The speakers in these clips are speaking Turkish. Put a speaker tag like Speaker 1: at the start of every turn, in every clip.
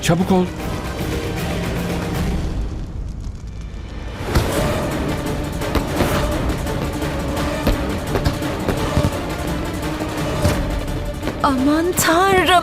Speaker 1: Çabuk ol.
Speaker 2: Aman Tanrım.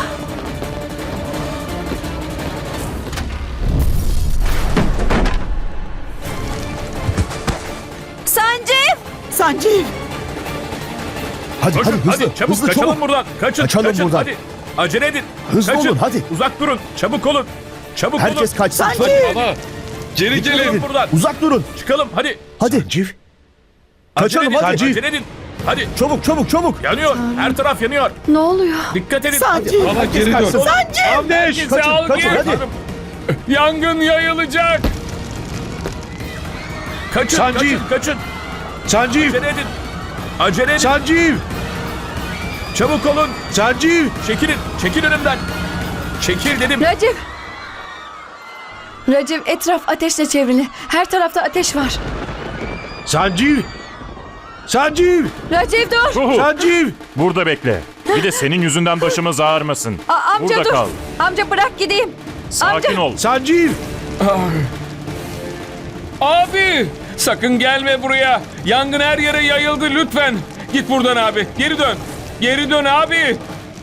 Speaker 2: Sancev!
Speaker 3: Sanceev!
Speaker 4: Hadi
Speaker 1: Koşun,
Speaker 4: hadi hızlı.
Speaker 1: çabuk
Speaker 4: hızlı
Speaker 1: kaçalım
Speaker 4: çabuk.
Speaker 1: buradan. Kaçın
Speaker 4: Kaçalım buradan.
Speaker 1: hadi. Acele edin.
Speaker 4: Hızlı
Speaker 1: kaçın.
Speaker 4: olun, hadi.
Speaker 1: Uzak durun. Çabuk olun. Çabuk olun.
Speaker 4: Herkes kaçsın.
Speaker 3: Sanceev!
Speaker 1: Baba. Geri gelin buradan.
Speaker 4: Uzak durun.
Speaker 1: Çıkalım hadi.
Speaker 4: Hadi.
Speaker 1: Acele
Speaker 4: Kaçalım,
Speaker 1: edin.
Speaker 4: hadi.
Speaker 1: Acele edin. Hadi.
Speaker 4: Çabuk çabuk çabuk.
Speaker 1: Yanıyor. Her taraf yanıyor.
Speaker 2: Ne oluyor?
Speaker 1: Dikkat edin.
Speaker 3: Sanceev!
Speaker 1: Baba
Speaker 4: geri dön.
Speaker 3: Sanceev!
Speaker 1: Herkesi
Speaker 4: Kaçın,
Speaker 1: al
Speaker 4: kaçın,
Speaker 1: gel.
Speaker 4: hadi.
Speaker 1: Yangın yayılacak. Kaçın,
Speaker 5: Sanceev.
Speaker 1: kaçın.
Speaker 5: Sanjeev!
Speaker 1: Acele edin. Acele edin.
Speaker 5: Sanjeev!
Speaker 1: Çabuk olun.
Speaker 5: Sanjeev!
Speaker 1: Çekilin. Çekil önümden. Çekil dedim.
Speaker 2: Racif! Racif, etraf ateşle çevrili. Her tarafta ateş var.
Speaker 5: Sanjeev! Sanjeev!
Speaker 2: Racif dur!
Speaker 5: Sanjeev!
Speaker 6: Burada bekle. Bir de senin yüzünden başımız ağrımasın.
Speaker 2: Amca
Speaker 6: Burada
Speaker 2: dur.
Speaker 6: kal.
Speaker 2: Amca bırak gideyim.
Speaker 6: Sakin
Speaker 2: amca.
Speaker 6: ol.
Speaker 5: Sanjeev!
Speaker 1: Abi sakın gelme buraya. Yangın her yere yayıldı lütfen. Git buradan abi. Geri dön. Geri dön abi.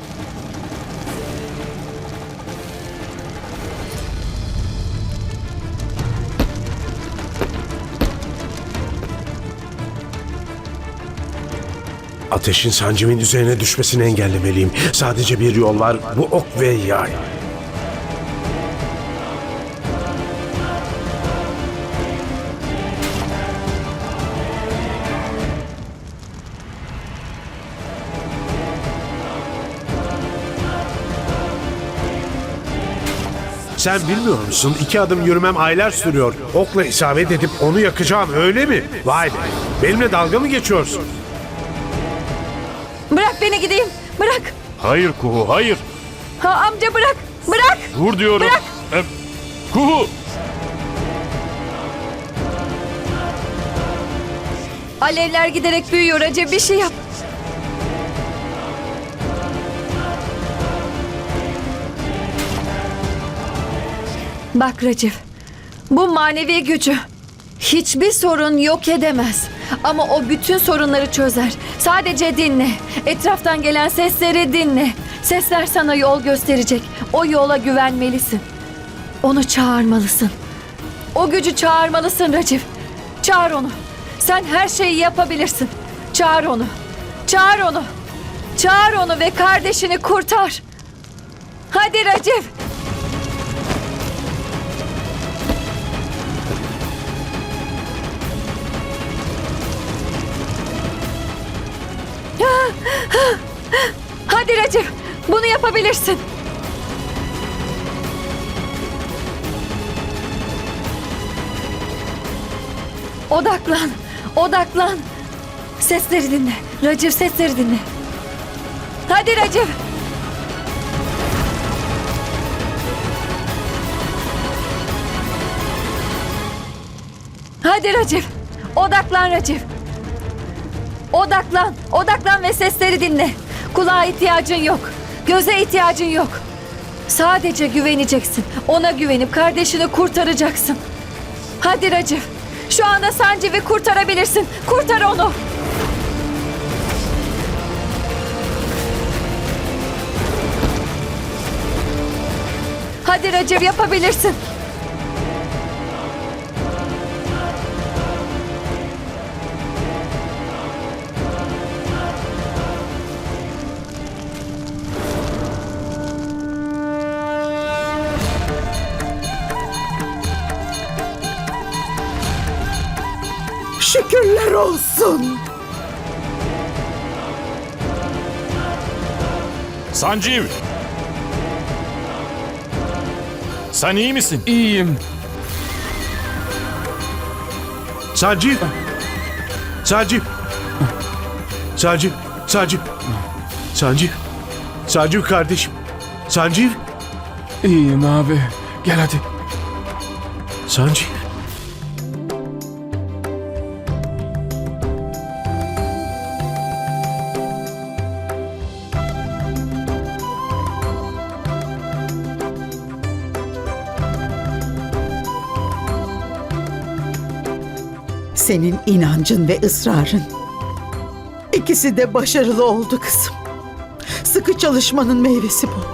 Speaker 5: Ateşin Sanjeev'in üzerine düşmesini engellemeliyim. Sadece bir yol var. Bu ok ve yay. Sen bilmiyor musun? 2 adım yürümem aylar sürüyor. Okla isabet edip onu yakacağım öyle mi? Vay be. Benimle dalga mı geçiyorsun?
Speaker 2: Bırak beni gideyim. Bırak.
Speaker 6: Hayır Kuhu, hayır.
Speaker 2: Amca bırak. Bırak.
Speaker 6: Dur diyorum.
Speaker 2: Bırak.
Speaker 6: Kuhu!
Speaker 2: Alevler giderek büyüyor Racif. Bir şey yap. Bak Racif. Bu manevi gücü hiçbir sorun yok edemez. Ama o bütün sorunları çözer. Sadece dinle. Etraftan gelen sesleri dinle. Sesler sana yol gösterecek. O yola güvenmelisin. Onu çağırmalısın. O gücü çağırmalısın Racif. Çağır onu. Sen her şeyi yapabilirsin. Çağır onu. Çağır onu. Çağır onu ve kardeşini kurtar. Hadi Racif. Hadi Racif. Bunu yapabilirsin. Odaklan. Odaklan. Sesleri dinle. Racif, sesleri dinle. Hadi Racif. Hadi Racif. Odaklan Racif. Odaklan. Odaklan ve sesleri dinle. Kulağa ihtiyacın yok. Göze ihtiyacın yok. Sadece güveneceksin. Ona güvenip kardeşini kurtaracaksın. Hadi Racif. Şu anda Sanciv'i kurtarabilirsin. Kurtar onu. Hadi Racif, yapabilirsin.
Speaker 3: Şükürler olsun.
Speaker 6: Sanjeev! Sen iyi misin?
Speaker 1: İyiyim.
Speaker 5: Sanjeev! Sanjeev! Sanjeev! Sanjeev! Sanjeev! Sanjeev kardeşim! Sanjeev!
Speaker 1: İyiyim abi. Gel hadi.
Speaker 5: Sanjeev!
Speaker 3: Senin inancın ve ısrarın. İkisi de başarılı oldu kızım. Sıkı çalışmanın meyvesi bu.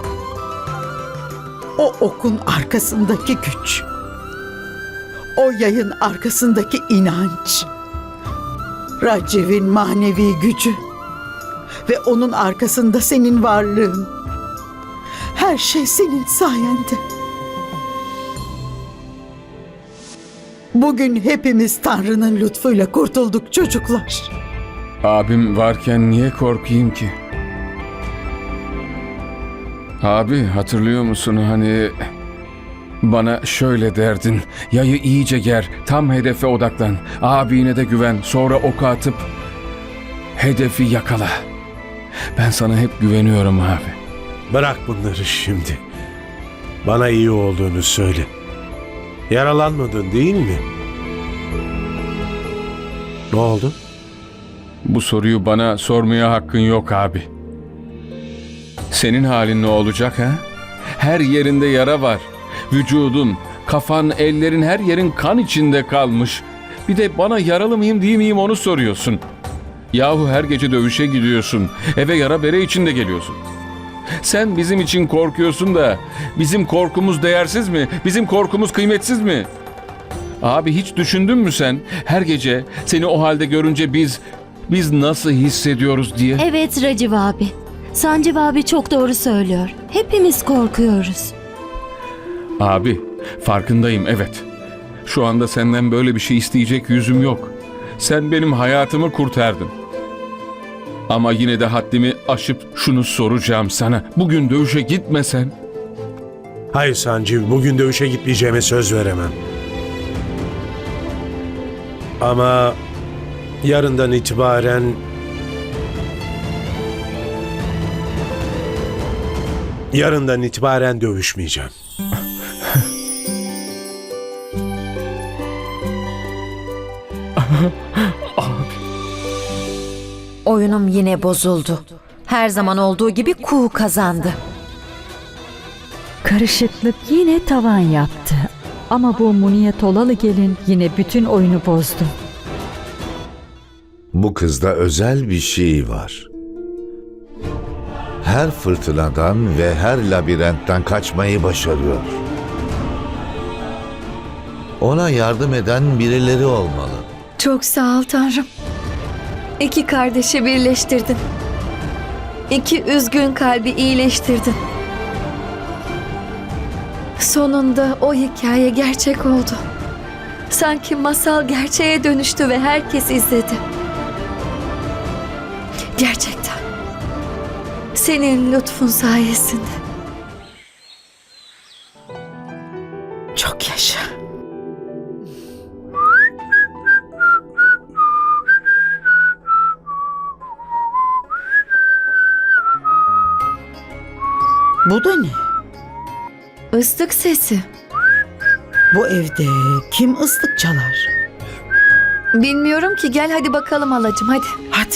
Speaker 3: O okun arkasındaki güç. O yayın arkasındaki inanç. Raciv'in manevi gücü. Ve onun arkasında senin varlığın. Her şey senin sayende. Bugün hepimiz Tanrı'nın lütfuyla kurtulduk çocuklar.
Speaker 1: Abim varken niye korkayım ki? Abi hatırlıyor musun hani bana şöyle derdin. Yayı iyice ger, tam hedefe odaklan. Abine de güven, sonra oku atıp hedefi yakala. Ben sana hep güveniyorum abi.
Speaker 5: Bırak bunları şimdi. Bana iyi olduğunu söyle. Yaralanmadın değil mi? Ne oldu?
Speaker 1: Bu soruyu bana sormaya hakkın yok abi. Senin halin ne olacak ha? Her yerinde yara var. Vücudun, kafan, ellerin, her yerin kan içinde kalmış. Bir de bana yaralı mıyım değil miyim onu soruyorsun. Yahu her gece dövüşe gidiyorsun. Eve yara bere içinde geliyorsun. Sen bizim için korkuyorsun da bizim korkumuz değersiz mi? Bizim korkumuz kıymetsiz mi? Abi hiç düşündün mü sen? Her gece seni o halde görünce biz nasıl hissediyoruz diye.
Speaker 7: Evet Raciv abi. Sancıv abi çok doğru söylüyor. Hepimiz korkuyoruz.
Speaker 1: Abi farkındayım evet. Şu anda senden böyle bir şey isteyecek yüzüm yok. Sen benim hayatımı kurtardın. Ama yine de haddimi aşıp şunu soracağım sana. Bugün dövüşe gitmesen.
Speaker 5: Hayır Sancı, bugün dövüşe gitmeyeceğime söz veremem. Ama yarından itibaren dövüşmeyeceğim.
Speaker 8: Oyunum yine bozuldu. Her zaman olduğu gibi Kuğu kazandı.
Speaker 9: Karışıklık yine tavan yaptı. Ama bu Muniye Tolalı gelin yine bütün oyunu bozdu.
Speaker 10: Bu kızda özel bir şey var. Her fırtınadan ve her labirentten kaçmayı başarıyor. Ona yardım eden birileri olmalı.
Speaker 2: Çok sağ ol Tanrım. İki kardeşi birleştirdin. İki üzgün kalbi iyileştirdin. Sonunda o hikaye gerçek oldu. Sanki masal gerçeğe dönüştü ve herkes izledi. Gerçekten. Senin lütfun sayesinde.
Speaker 3: Çok yaşa. Bu da ne?
Speaker 2: Islık sesi.
Speaker 3: Bu evde kim ıslık çalar?
Speaker 2: Bilmiyorum ki, gel hadi bakalım halacığım hadi.
Speaker 3: Hadi.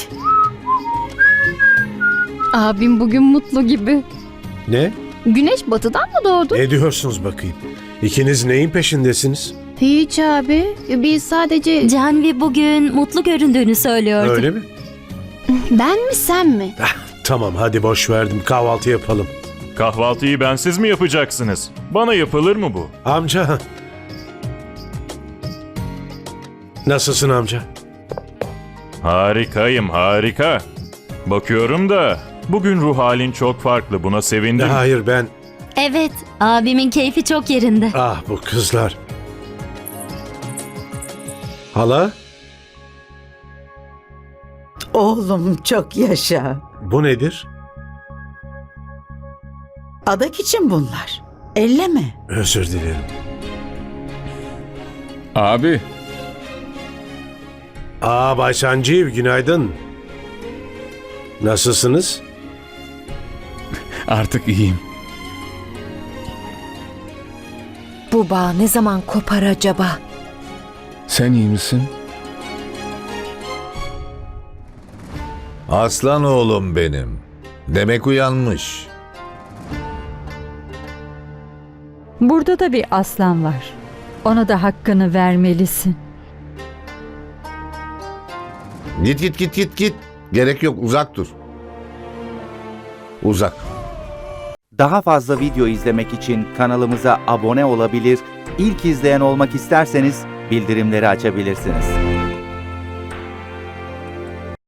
Speaker 7: Abim bugün mutlu gibi.
Speaker 5: Ne?
Speaker 7: Güneş batıdan mı doğdu?
Speaker 5: Ne diyorsunuz bakayım? İkiniz neyin peşindesiniz?
Speaker 7: Hiç abi. Biz sadece... Canvi bugün mutlu göründüğünü söylüyordu.
Speaker 5: Öyle mi?
Speaker 7: Ben mi sen mi?
Speaker 5: Tamam hadi boş verdim, kahvaltı yapalım.
Speaker 6: Kahvaltıyı bensiz mi yapacaksınız? Bana yapılır mı bu?
Speaker 5: Amca. Nasılsın amca?
Speaker 6: Harikayım, harika. Bakıyorum da bugün ruh halin çok farklı. Buna sevindim.
Speaker 5: Hayır ben...
Speaker 7: Evet. Abimin keyfi çok yerinde.
Speaker 5: Ah bu kızlar. Hala?
Speaker 3: Oğlum çok yaşa.
Speaker 5: Bu nedir?
Speaker 3: Adak için bunlar. Elleme.
Speaker 5: Özür dilerim.
Speaker 1: Abi
Speaker 5: Bay Sanjeev günaydın. Nasılsınız?
Speaker 1: artık iyiyim.
Speaker 8: Bu bağ ne zaman kopar acaba?
Speaker 1: Sen iyi misin?
Speaker 10: Aslan oğlum benim. Demek uyanmış.
Speaker 9: Burada da bir aslan var. Ona da hakkını vermelisin.
Speaker 10: Git git git git git. Gerek yok, uzak dur. Uzak.
Speaker 11: Daha fazla video izlemek için kanalımıza abone olabilir, ilk izleyen olmak isterseniz bildirimleri açabilirsiniz.